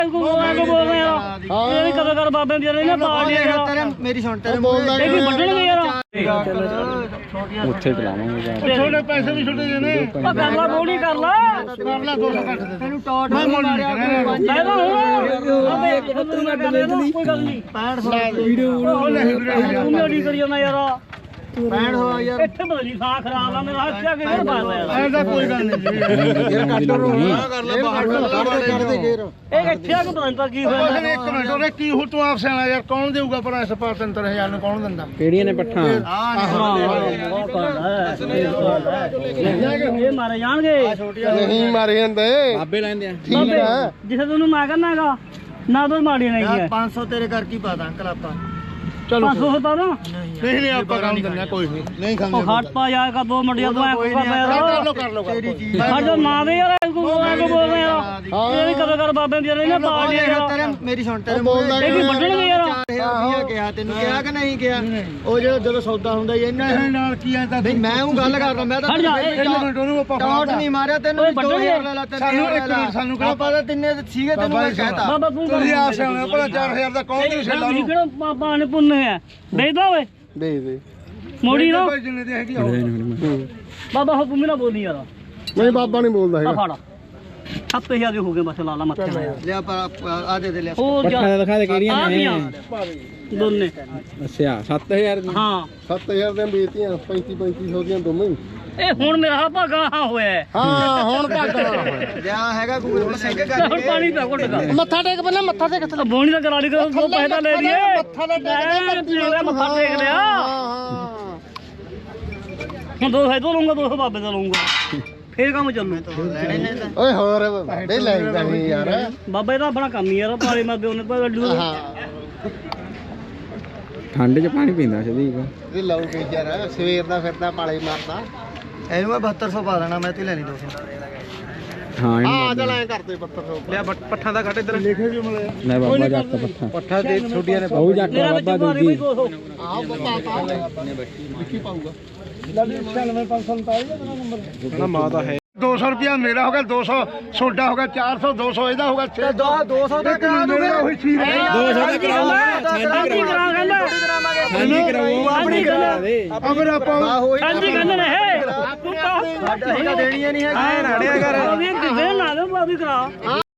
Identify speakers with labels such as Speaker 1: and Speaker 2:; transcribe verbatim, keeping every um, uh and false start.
Speaker 1: ਕਦੋਂ ਕਰ ਬਾਬੇ ਦੀ ਨਾ ਪਾਰਟੀ
Speaker 2: ਮੇਰੀ ਸੁਣ ਤੇਰੇ ਮੂੰਹ
Speaker 1: ਇਹ ਵੱਢਣਗੇ ਯਾਰ
Speaker 3: ਉੱਥੇ ਚਲਾਵਾਂਗੇ
Speaker 4: ਛੋਟੇ ਪੈਸੇ ਵੀ ਛੋਟੇ ਜਿਹੇ ਨੇ
Speaker 1: ਉਹ ਕਰ ਲਾ ਬੋਲੀ ਕਰ ਲਾ
Speaker 4: ਕਰ ਲੈ ਦੋ ਸੌ ਘੱਟ ਦੇ
Speaker 2: ਤੈਨੂੰ ਟੌਟ
Speaker 4: ਮੈਂ ਮੁੱਲ ਨਹੀਂ ਕਰਾਂਗਾ
Speaker 1: ਲੈ ਲਾ ਹੁਣ ਕੋਈ ਗੱਲ ਨਹੀਂ
Speaker 2: ਪੈਂਹਠ ਸੌ ਵੀਡੀਓ
Speaker 4: ਉਹ ਨਹੀਂ ਵੀਰੇ
Speaker 1: ਤੂੰ ਮੇਰੀ ਕਰੀ ਜਾਂਦਾ ਯਾਰ
Speaker 2: ਪੈਂਹਠ ਸੌ ਯਾਰ
Speaker 1: ਇੱਥੇ ਬਦਲੀ ਸਾਹ ਖਰਾਬ ਆ ਮੇਰਾ ਹੱਥ ਆ ਕੇ ਫੇਰ ਬਾਹਰ ਆਇਆ
Speaker 4: ਐਸਾ ਕੋਈ ਗੱਲ ਨਹੀਂ ਜੀ
Speaker 2: ਯਾਰ ਕੱਟ ਰੋ ਕਰ ਲੈ ਬਾਹਰ ਕੱਢ ਦੇ ਗੇਰ
Speaker 1: ਇਹ ਇੱਥੇ ਆ ਕੇ ਪਤਾ ਨਹੀਂ ਕੀ ਹੋਇਆ
Speaker 4: ਉਹ ਇੱਕ ਮਿੰਟ ਉਹਨੇ ਕੀ ਹੋ ਤੂੰ ਆਪ ਸਿਆਣਾ ਯਾਰ ਕੌਣ ਦੇਊਗਾ ਪਰ ਇਸ ਪਾਰ ਤਿੰਨ ਹਜ਼ਾਰ ਨੂੰ ਕੌਣ ਦਿੰਦਾ
Speaker 3: ਕਿਹੜੀਆਂ ਨੇ ਪੱਠਾਂ
Speaker 1: ਇਹ ਮਾਰੇ ਜਾਣਗੇ
Speaker 4: ਨਹੀਂ ਮਾਰੇ ਜਾਂਦੇ
Speaker 3: ਬਾਬੇ ਲੈਂਦੇ ਆ
Speaker 4: ਠੀਕ ਹੈ
Speaker 1: ਜਿਸੇ ਤੈਨੂੰ ਮੈਂ ਕਹਿੰਦਾਗਾ ਨਾ ਤਾਂ ਮਾੜੀਆਂ ਨਹੀਂ ਹੈ
Speaker 2: ਪੰਜ ਸੌ ਤੇਰੇ ਕਰ ਕੀ ਪਾਦਾ ਅੰਕਲ ਆਪਾਂ
Speaker 4: ਚਲੋ
Speaker 1: ਪੰਜ ਸੌ ਹੁੰਦਾ ਨਾ
Speaker 4: ਨਹੀਂ ਨਹੀਂ ਆਪਾਂ ਕੰਮ ਦਿੰਦੇ ਕੋਈ ਨਹੀਂ ਨਹੀਂ ਖਾਂਦੇ
Speaker 1: ਉਹ ਹੱਟ ਪਾ ਜਾ ਕਾ ਦੋ ਮੰਡੀਆਂ ਤੋਂ ਐ ਕੋ
Speaker 4: ਕਰ ਲੋ ਕਰ ਲੋ
Speaker 2: ਤੇਰੀ ਚੀਜ਼
Speaker 1: ਹਟ ਜਾ ਨਾ ਦੇ ਯਾਰ ਐ ਕੋ ਬੋਲ ਰਹੇ ਯਾਰ ਇਹ ਵੀ ਕਦੋਂ ਕਰ ਬਾਬੇ ਦੀ ਨਾ ਪਾਰਟੀ
Speaker 2: ਤੇਰੇ ਮੇਰੀ ਸੁਣ ਤੇਰੇ ਮੂੰਹ
Speaker 1: ਇਹ ਵੀ ਵੱਢਣਗੇ ਯਾਰ
Speaker 2: ਰੁਪਿਆ ਕਿਹਾ ਤੈਨੂੰ ਕਿਹਾ ਕਿ ਨਹੀਂ ਕਿਹਾ ਉਹ ਜਿਹੜਾ ਜਦੋਂ ਸੌਦਾ ਹੁੰਦਾ ਹੀ ਇਹਨਾਂ
Speaker 4: ਇਹ ਨਾਲ ਕੀ ਆ ਤਾਂ
Speaker 2: ਨਹੀਂ ਮੈਂ ਉਹ ਗੱਲ ਕਰਦਾ ਮੈਂ ਤਾਂ
Speaker 1: ਹਟ ਜਾ ਇਹ
Speaker 4: ਇੱਕ ਮਿੰਟ ਉਹਨੂੰ ਆਪਾਂ
Speaker 2: ਟੌਟ ਨਹੀਂ ਮਾਰਿਆ ਤੈਨੂੰ
Speaker 1: ਓਏ
Speaker 2: ਦੋ
Speaker 1: ਵੱਢਣਗੇ।
Speaker 2: ਹਜ਼ਾਰ ਲੈ ਲਾ
Speaker 4: ਸਾਨੂੰ ਇੱਕ ਮਿੰਟ ਸਾਨੂੰ ਕਿਹੜਾ
Speaker 2: ਆਪਾਂ ਤਾਂ ਤਿੰਨੇ ਸੀਗੇ ਤੈਨੂੰ ਮੈਂ ਕਹਿਤਾ
Speaker 1: ਬਾਬਾ ਤੂੰ
Speaker 4: ਤੁਸੀਂ ਆਪ ਸਿਆਣਾ ਭਲਾ ਚਾਰ ਹਜ਼ਾਰ ਦਾ ਕੌਣ ਦੇ ਛੱਲਾ ਨੂੰ
Speaker 1: ਕਿਹੜਾ ਪਾਪਾ ਨੇ ਪੁੰਨੇ ਹੈ ਦੇਦਾ ਓਏ
Speaker 4: ਦੇ ਦੇ
Speaker 1: ਮੋੜੀ ਨਾ
Speaker 4: ਜਿੰਨੇ ਦੀ ਹੈਗੀ ਉਹ
Speaker 1: ਬਾਬਾ ਹੋ ਪੁੰਮੀ ਨਾ ਬੋਲੀ ਯਾਰ
Speaker 4: ਨਹੀਂ ਬਾਬਾ ਨਹੀਂ ਬੋਲਦਾ
Speaker 1: ਆ ਫੜ ਸੱਤ ਹਜ਼ਾਰ ਦੇ ਹੋ ਗਏ ਬਸ ਲਾਲਾ ਮੱਥੇ ਨਾਲ
Speaker 2: ਲਿਆ ਪਰ ਆ ਦੇ ਦੇ ਲਿਆ
Speaker 1: ਹੋਰ
Speaker 3: ਪੱਠਾਂ ਦਾ ਦਿਖਾ ਦੇ ਕਿਹੜੀਆਂ
Speaker 1: ਆ
Speaker 3: ਨੇ
Speaker 1: ਗਈਆਂ ਦੋਨੇ
Speaker 3: ਅੱਛਾ ਸੱਤ ਹਜ਼ਾਰ ਦੀ
Speaker 1: ਹਾਂ
Speaker 4: ਸੱਤ ਹਜ਼ਾਰ ਦੀਆਂ ਵੇਚਤੀਆਂ ਪੈਂਤੀ ਪੈਂਤੀ ਸੌ ਦੀਆਂ ਦੋਵੇਂ
Speaker 1: ਇਹ ਹੁਣ ਮੇਰਾ ਭਾਗਾ ਹਾਂ ਹੋਇਆ
Speaker 4: ਹਾਂ ਹੁਣ ਭਾਗਣਾ
Speaker 2: ਲਿਆ ਹੈਗਾ ਗੂਗਲ ਪਰ ਸਿੰਘ ਕਰ
Speaker 1: ਹੁਣ ਪਾਣੀ ਪਾ ਘੁੱਟ ਦਾ
Speaker 4: ਮੱਥਾ ਟੇਕ ਪਹਿਲਾਂ ਮੱਥਾ ਟੇਕ
Speaker 1: ਤਾਂ ਬੋਣੀ ਦਾ ਕਰਾ ਲਈ ਦੋ ਪੈਸੇ ਤਾਂ ਲੈ ਲਈਏ
Speaker 4: ਮੱਥਾ ਤਾਂ ਟੇਕ
Speaker 1: ਲੈ ਮੱਥਾ ਟੇਕ ਲਿਆ
Speaker 4: ਹਾਂ
Speaker 1: ਹੁਣ ਦੋ ਹੈ ਦੋ ਲਊਂਗਾ ਦੋ ਸੌ ਬਾਬੇ ਦਾ ਲਊਂਗਾ ਫੇਰ ਕੰਮ ਚੱਲੂ
Speaker 2: ਲੈਣੇ ਨੇ ਤਾਂ
Speaker 4: ਓਏ ਹੋਰ ਵੱਡੇ ਲੈ ਜਾਣੀ ਯਾਰ
Speaker 1: ਬਾਬਾ ਇਹਦਾ ਆਪਣਾ ਕੰਮ ਹੀ ਯਾਰ ਪਾਲੇ ਮਾਦੇ ਉਹਨੇ ਪਾ ਗੱਡੂ
Speaker 4: ਹਾਂ
Speaker 3: ਠੰਡ 'ਚ ਪਾਣੀ ਪੀਂਦਾ ਸਦੀਕ
Speaker 4: ਇਹ ਲਾਉ ਕੇ ਯਾਰ ਸਵੇਰ ਦਾ ਫਿਰਦਾ ਪਾਲੇ ਮਾਰਦਾ
Speaker 2: ਇਹਨੂੰ ਮੈਂ ਬਹੱਤਰ ਸੌ ਪਾ ਦੇਣਾ ਮੈਂ ਤੇ ਲੈਣੀ ਦੋ ਸੌ
Speaker 3: ਹਾਂ
Speaker 4: ਆ
Speaker 3: ਇਹਨੂੰ
Speaker 4: ਚੱਲ ਐ ਕਰਦੇ ਬੱਤਰ ਸੌ
Speaker 2: ਲਿਆ ਪੱਠਾਂ ਦਾ ਕੱਢ ਇੱਧਰ
Speaker 4: ਲਿਖੇ ਵੀ ਮਿਲੇ
Speaker 3: ਲੈ ਬਾਬਾ ਜੱਟ ਪੱਠਾ
Speaker 4: ਪੱਠਾ ਦੇ ਛੋਟੀਆਂ ਨੇ
Speaker 3: ਉਹ ਜੱਟ
Speaker 1: ਮੇਰਾ ਵਿੱਚ
Speaker 3: ਬਾਬਾ
Speaker 1: ਭਾਰੀ ਬਈ
Speaker 3: ਦੂਜੀ
Speaker 1: ਦੋ ਸੌ
Speaker 4: ਆਹ ਬੱਤਾ ਪਾ ਲਿਖੀ ਪਾਊਗਾ ਛਿਆਨਵੇਂ ਪੰਜ ਸੌ ਉਨਤਾਲੀ ਦਾ ਨੰਬਰ ਨਾ ਮਾਂ ਦਾ ਹੈ ਦੋ ਸੌ ਰੁਪਿਆ ਮੇਰਾ ਹੋ ਗਿਆ ਦੋ ਸੌ ਸੋਡਾ ਹੋ ਗਿਆ ਚਾਰ ਸੌ ਦੋ ਸੌ ਇਹਦਾ ਹੋ ਗਿਆ ਛੇ
Speaker 2: ਦੋ ਦੋ ਸੌ ਦਾ ਕਰਾ ਦੂੰਗੇ
Speaker 4: ਉਹੀ ਚੀਜ਼
Speaker 3: ਦੋ ਸੌ ਦਾ ਕਰਾਓ
Speaker 1: ਸਾਂਝੀ ਕਰਾ ਕਹਿੰਦਾ
Speaker 3: ਸਾਂਝੀ ਕਰਾਓ
Speaker 1: ਸਾਂਝੀ ਕਰਾ
Speaker 3: ਦੇ
Speaker 4: ਅਗਰ ਆਪਾਂ
Speaker 1: ਸਾਂਝੀ ਕਹਿੰਦੇ ਨੇ ਇਹ ਤੂੰ ਤਾਂ
Speaker 2: ਦੇਣੀਆਂ ਨਹੀਂ ਹੈ
Speaker 1: ਆਏ ਨਾੜਿਆ ਕਰ ਉਹਦੀ ਕਿਤੇ ਨਾ ਦੇ ਬਾਬੀ ਕਰਾ